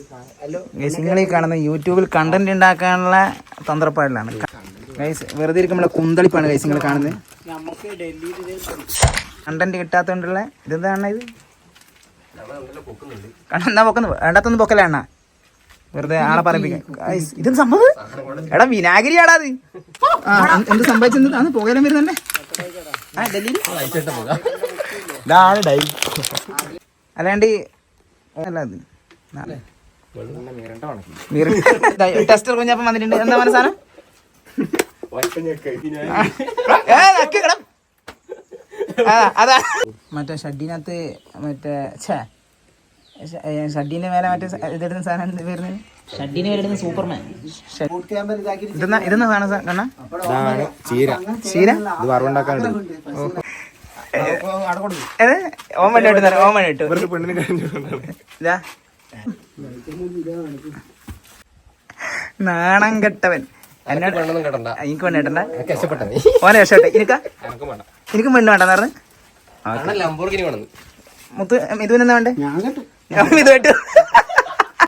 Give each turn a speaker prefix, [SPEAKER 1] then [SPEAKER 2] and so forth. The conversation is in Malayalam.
[SPEAKER 1] ഗൈസ് നിങ്ങൾ ഈ കാണുന്ന യൂട്യൂബിൽ കണ്ടന്റ് ഉണ്ടാക്കാനുള്ള തന്ത്രപ്പാടിലാണ് ഗൈസ്. വെറുതെ ഇരിക്കുമ്പോൾ കുന്തളിപ്പാണ് ഗൈസ് നിങ്ങൾ കാണുന്നത്. കണ്ടന്റ് കിട്ടാത്തോണ്ടുള്ള ഇതെന്താണ് ഇത്? എന്നാ പൊക്കുന്നു വേണ്ടാത്തൊന്നും പൊക്കല അണ്ണ, വെറുതെ ആളെ പറയിപ്പിക്കാൻ. ഇതെന്ത് സംഭവം? എടാ വിനാഗിരിയാടാ അത്. എന്ത് സംഭവിച്ചെന്ന് അന്ന് പുകയിലും വരുന്നുണ്ടേ അല്ലാണ്ട് അല്ല അത് ടെസ്റ്റർ കുഞ്ഞപ്പം വന്നിട്ടുണ്ട്. എന്താ പറഞ്ഞ സാധനം? അതാ മറ്റേ ഷഡ്ഡിനകത്ത് മറ്റേ ഷഡ്ഡിന്റെ മേലെ മറ്റേ ഇതെടുക്കുന്ന സാധനം വരുന്നത്. ഷഡ്ഡിന് പേരെടുക്കുന്ന സൂപ്പർമാൻ. ഇതെന്നാ സാധനം കണ്ണ? ചീര ഓമൻ ഇട്ടു ഓമൻ ഇട്ടു. ഇതാ നാണം കെട്ടവൻ. എന്നോട് എനിക്ക് പെണ്ണ് കേട്ടണ്ട. ഓനെ രക്ഷട്ടെ. എനിക്കും പെണ്ണ് വേണ്ടെന്ന് പറഞ്ഞു മുത്ത്. ഇതുവെന്നാ വേണ്ടേ? ഇത് കേട്ടു.